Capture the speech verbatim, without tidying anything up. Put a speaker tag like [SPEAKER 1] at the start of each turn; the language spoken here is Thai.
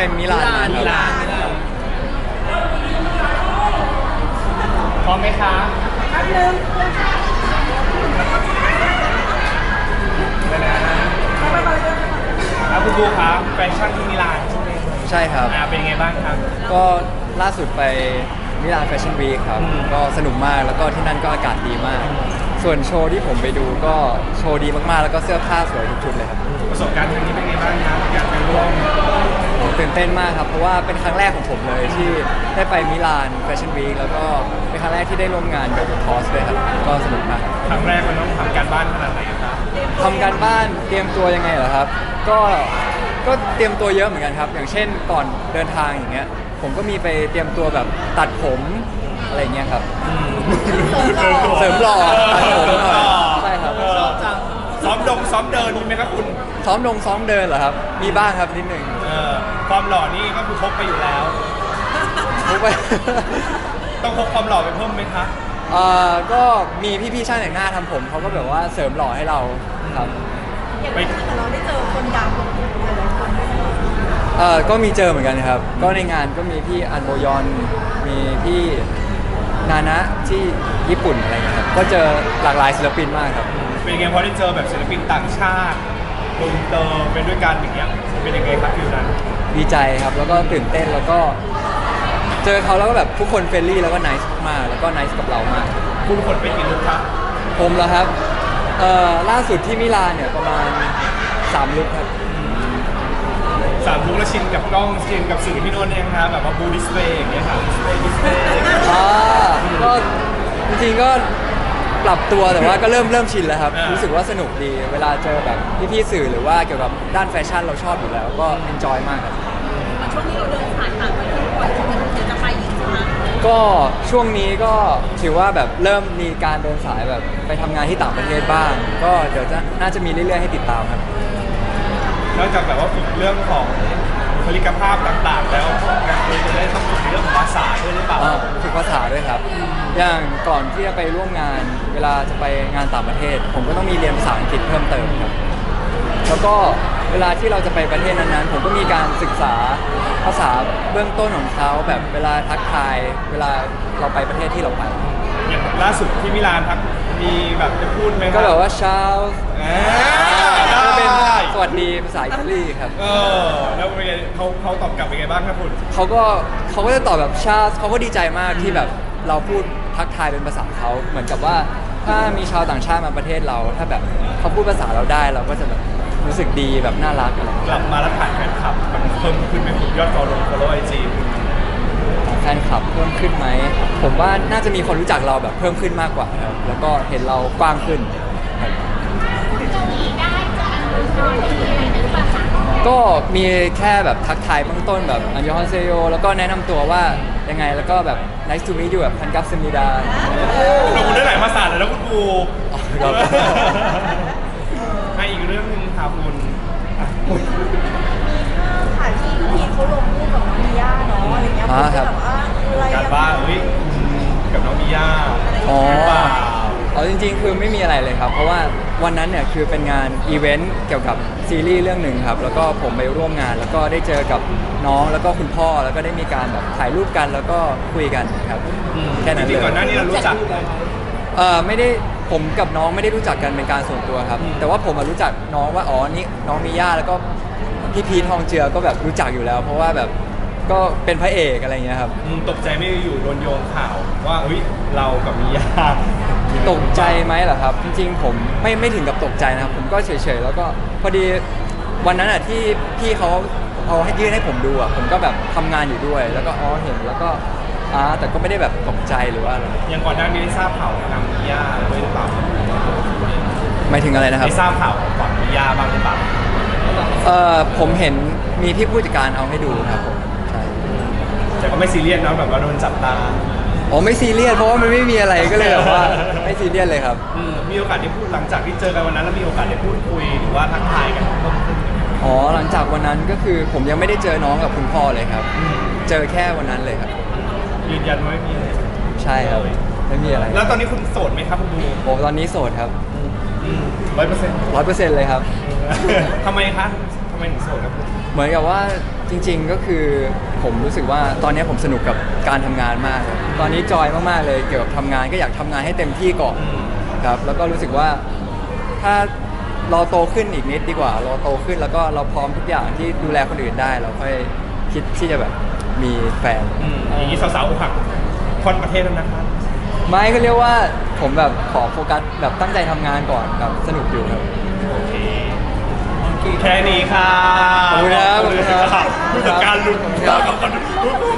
[SPEAKER 1] มิลานมา
[SPEAKER 2] มิ
[SPEAKER 1] ครับ
[SPEAKER 2] ลานพร้อมไหมคะ
[SPEAKER 3] แป๊บนึง
[SPEAKER 2] ได้แล้วนะ
[SPEAKER 3] ไปไปไปเลย
[SPEAKER 2] แล้วคุณบูครับแฟชั่นที่มิลานใช่ไหม
[SPEAKER 1] ใช่ครับ
[SPEAKER 2] อ่าเป็นยังไงบ้างครับ
[SPEAKER 1] ก็ล่าสุดไปมิลานแฟชั่นวีคครับ
[SPEAKER 2] อืม
[SPEAKER 1] ก็สนุกมากแล้วก็ที่นั่นก็อากาศดีมาก ส่วนโชว์ที่ผมไปดูก็โชว์ดีมากๆ แล้วก็เสื้อผ้าสวยทุกชุดเลยครับ
[SPEAKER 2] ประสบการณ์ครั้งนี้เป็นไงบ้างครับการไปร่วม
[SPEAKER 1] โหตื่นเต้นมากครับ เพราะว่าเป็นครั้งแรกของผมเลยที่ได้ไปมิลานแฟชั่นวีคแล้วก็เป็นครั้งแรกที่ได้ร่วมงานกับคอสด้วยครับ ก็สนุกมาก
[SPEAKER 2] ครั้งแรกมันต้องทำการบ้านขนาดไหนครับ
[SPEAKER 1] ทำการบ้านเตรียมตัวยังไงเหรอครับ ก็ก็เตรียมตัวเยอะเหมือนกันครับ อย่างเช่นก่อนเดินทางอย่างเงี้ย ผมก็มีไปเตรียมตัวแบบตัดผมอะไรเงี้ยครับ เสริมหล่อตัดผมหน่อยใช่ครับ
[SPEAKER 2] ชอบจังซ้อมดงซ้อมเดินมีไหมครับคุณ
[SPEAKER 1] ซ้อมลงซ้อมเดินเหรอครับ มีบ้างครับนิดหนึ่ง
[SPEAKER 2] เออความหล่อนี่ก็คือพกไปอยู่แล้ว
[SPEAKER 1] รู้ไป
[SPEAKER 2] ต้องพกความหล่อไปเพิ่มไหมคะ
[SPEAKER 1] เอ่อก็มีพี่ๆช่างแต่งหน้าทำผมเขาก็แบบว่าเสริมหล่อให้เราครับ
[SPEAKER 3] อย่างที่เราได้เจอคนดังหลายๆคนด้วยนะ
[SPEAKER 1] เอ่อก็มีเจอเหมือนกันครับ ก็ในงานก็มีพี่อันโบยอน มีพี่นานะที่ญี่ปุ่นอะไรเงี้ยครับ ก็เจอหลากหลายศิลปินมากครับ
[SPEAKER 2] เป็นยังไงพอได้เจอแบบศิลปินต่างชาติอินเตอร์เป็นด้วยกันอย่างเงี้ยเป็นยังไงครับฟิวนั้น
[SPEAKER 1] ดีใจครับ แล้วก็ตื่นเต้น แล้วก็เจอเขาแล้วก็แบบทุกคนเฟรนลี่แล้วก็ไนซ์มากแล้วก็ไนซ์กับเรามาก
[SPEAKER 2] คุณขนไปกี่ลุกครับ
[SPEAKER 1] ผมเหรอครับ เอ่อ ล่าสุดที่มิลานเนี่ยประมาณสามลุกครับ
[SPEAKER 2] สามลุกแล้วชินกับกล้องชินกับสื่อที่โน่นเองครับแบบว่าบูดิสเพย์อย่างเงี้ยครับดิสเพย์ดิสเพย์
[SPEAKER 1] อ่าก็จริงๆก็ปรับตัวแต่ว่าก็เริ่มเริ่มชินแล้วครับ รู้สึกว่าสนุกดี เวลาเจอแบบพี่ๆสื่อหรือว่าเกี่ยวกับด้านแฟชั่นเราชอบอยู่แล้ว ก็เอนจอยมากครับ
[SPEAKER 3] ช่วงนี้เราเดินผ่านต่างประเทศบ่อยจะเดี๋ยวจะไปอีกใช่ไหม
[SPEAKER 1] ก็ช่วงนี้ก็ถือว่าแบบเริ่มมีการเดินสายแบบไปทำงานที่ต่างประเทศบ้าง ก็เดี๋ยวจะน่าจะมีเรื่อยๆให้ติดตามครับ
[SPEAKER 2] นอกจากแบบว่าฝึกเรื่องของผลิกภาพต่างๆ แล้วการคุยจะได้ต้องฝึกเรื่องของภาษาด้วยหรือเปล่า
[SPEAKER 1] อ่าฝึกภาษาด้วยครับ อย่างก่อนที่จะไปร่วมงาน เวลาจะไปงานต่างประเทศ ผมก็ต้องมีเรียนภาษาอังกฤษเพิ่มเติมครับ แล้วก็เวลาที่เราจะไปประเทศนั้นๆ ผมก็มีการศึกษาภาษาเบื้องต้นของเขาแบบเวลาทักทาย เวลาเราไปประเทศที่เราไป
[SPEAKER 2] อย่างล่าสุดที่มิลานครับมีแบบจะพูดไหมครั
[SPEAKER 1] ก็แบบว่าเช้า
[SPEAKER 2] อ่า
[SPEAKER 1] ก็เป็น
[SPEAKER 2] ได้
[SPEAKER 1] สวัสดีภาษาอิตาลีครับ
[SPEAKER 2] เออแล้วเป็นไงเขาเขาตอบกลับเป็นไงบ้างครับคุณ
[SPEAKER 1] เขาก็เขาก็จะตอบแบบชาเขาก็ดีใจมากที่แบบเราพูดทักทายเป็นภาษาเขาเหมือนกับว่าถ้ามีชาวต่างชาติมาประเทศเรา ถ้าแบบเขาพูดภาษาเราได้เราก็จะแบบรู้สึกดีแบบน่ารักอะไรอย่าง
[SPEAKER 2] ก
[SPEAKER 1] เงี้ย
[SPEAKER 2] ลับมาแล้วถ่ายแฟนคลับมันเพิ่มขึ้นไหมคุณยอดฟอลโล่ฟอลโล่ไอจี
[SPEAKER 1] แฟนคลับเพิ่มขึ้นไหมผมว่าน่าจะมีคนรู้จักเราแบบเพิ่มขึ้นมากกว่าครับแล้วก็เห็นเรากว้างขึ้นครับก็มีแค่แบบทักทายเบื้องต้นแบบอันยองฮอนเซโยแล้วก็แนะนำตัวว่ายังไงแล้วก็แบบ nice to meet you แบบพันกับสมิดา
[SPEAKER 2] เราคุณได้หลายภาษาเลยแล้วคุณครู
[SPEAKER 1] ครับ
[SPEAKER 2] ให้อีกเรื่องหนึงค่ะคุณอ่ะ
[SPEAKER 3] ถ่ายที่พีเขาลงรูปกับน้องมิย่าเนาะอะไรเงี้ยผมก็แบบว่าอะไร
[SPEAKER 2] การ
[SPEAKER 3] ยัง
[SPEAKER 2] บ้านเฮ้ยกับน้องมิย่า
[SPEAKER 1] อ๋อ
[SPEAKER 2] หรือเปล่า
[SPEAKER 1] เอาจริงๆ คือไม่มีอะไรเลยครับ เพราะว่าวันนั้นเนี่ยคือเป็นงานอีเวนต์เกี่ยวกับซีรีส์เรื่องหนึ่งครับ แล้วก็ผมไปร่วมงาน แล้วก็ได้เจอกับน้องแล้วก็คุณพ่อ แล้วก็ได้มีการแบบถ่ายรูปกันแล้วก็คุยกันครับ แค่นั้น
[SPEAKER 2] จ
[SPEAKER 1] เล
[SPEAKER 2] ริง
[SPEAKER 1] ย
[SPEAKER 2] ๆก่อนหน้านี้เรารู้จัก
[SPEAKER 1] เออไม่ได้ผมกับน้องไม่ได้รู้จักกันเป็นการส่วนตัวครับ
[SPEAKER 2] อืม
[SPEAKER 1] แต่ว่าผมอะรู้จักน้องว่าอ๋อนี่น้องมีย่าแล้วก็พี่พีททองเจือก็แบบรู้จักอยู่แล้ว เพราะว่าแบบก็เป็นพระเอกอะไรเงี้ยครับ
[SPEAKER 2] อืมตกใจไม่อยู่โดนโยงข่าวว่าเฮ้ยเรากับมิย่า
[SPEAKER 1] ตกใจไหมเหรอครับ จริงๆ ผมไม่ไม่ถึงกับตกใจนะครับ ผมก็เฉยๆ แล้วก็พอดีวันนั้นอ่ะที่พี่เขาเอาให้ยื่นให้ผมดูอ่ะผมก็แบบทำงานอยู่ด้วย แล้วก็อ๋อเห็นแล้วก็อ่าแต่ก็ไม่ได้แบบตกใจหรือว่าอะไร
[SPEAKER 2] ยังก่อนหน้านี้ได้ทราบข่าวทางมิย่าด้วยหรือเปล่า
[SPEAKER 1] หมายถึงอะไรนะครับ
[SPEAKER 2] ได้ทราบข่าวก่อนมิย่าบ้างหรือเปล่า
[SPEAKER 1] เอ่อผมเห็นมีพี่ผู้จัดการเอาให้ดูครับผมใช่
[SPEAKER 2] แต่ก็ไม่ซีเรียสนะแบบว่าโดนจับตา
[SPEAKER 1] อ๋อไม่ซีเรียสเพราะว่ามันไม่มีอะไรก็เลยแบบว่าไม่ซีเรียสเลยครับ
[SPEAKER 2] อืมมีโอกาสได้พูดหลังจากที่เจอกันวันนั้นแล้วมีโอกาสได้พูดคุยหรือว่าทักทายกันเพิ่มขึ้นไหม
[SPEAKER 1] อ๋อหลังจากวันนั้นก็คือผมยังไม่ได้เจอน้องกับคุณพ่อเลยครับ
[SPEAKER 2] อืม
[SPEAKER 1] เจอแค่วันนั้นเลยครับ
[SPEAKER 2] ยืนยันว่าไม่มีอะไร
[SPEAKER 1] ใช่ครับไม่มีอะไร
[SPEAKER 2] แล้วตอนนี้คุณโสดไหมครับคุณบู
[SPEAKER 1] โอ้ตอนนี้โสดครับ
[SPEAKER 2] ร้อยเปอร์เซ็นต์
[SPEAKER 1] ร้อยเปอร์เซ็นต์เลยครับ
[SPEAKER 2] ทำไมคะทำไมถึงโสดครับคุณ
[SPEAKER 1] เหมือนกับว่าจริงๆก็คือผมรู้สึกว่าตอนนี้ผมสนุกกับการทำงานมากเลยตอนนี้จอยมากๆเลยเกี่ยวกับทำงานก็อยากทำงานให้เต็มที่ก่อนครับแล้วก็รู้สึกว่าถ้าเราโตขึ้นอีกนิดดีกว่าเราโตขึ้นแล้วก็เราพร้อมทุกอย่างที่ดูแลคนอื่นได้ เราค่อยคิดที่จะแบบมีแฟน
[SPEAKER 2] อืมอย่างนี้สาวๆอกหักคนประเทศแล้วนะครับ
[SPEAKER 1] ไม่ก็เรียกว่าผมแบบขอโฟกัสแบบตั้งใจทำงานก่อนแบบสนุกอยู่ครับ
[SPEAKER 2] โอเคแค่นี้ค่ะ
[SPEAKER 1] ขอบคุณครับ
[SPEAKER 2] ขอบคุณครับผู้จัดการลุง
[SPEAKER 1] ครับ
[SPEAKER 2] ขอบคุณ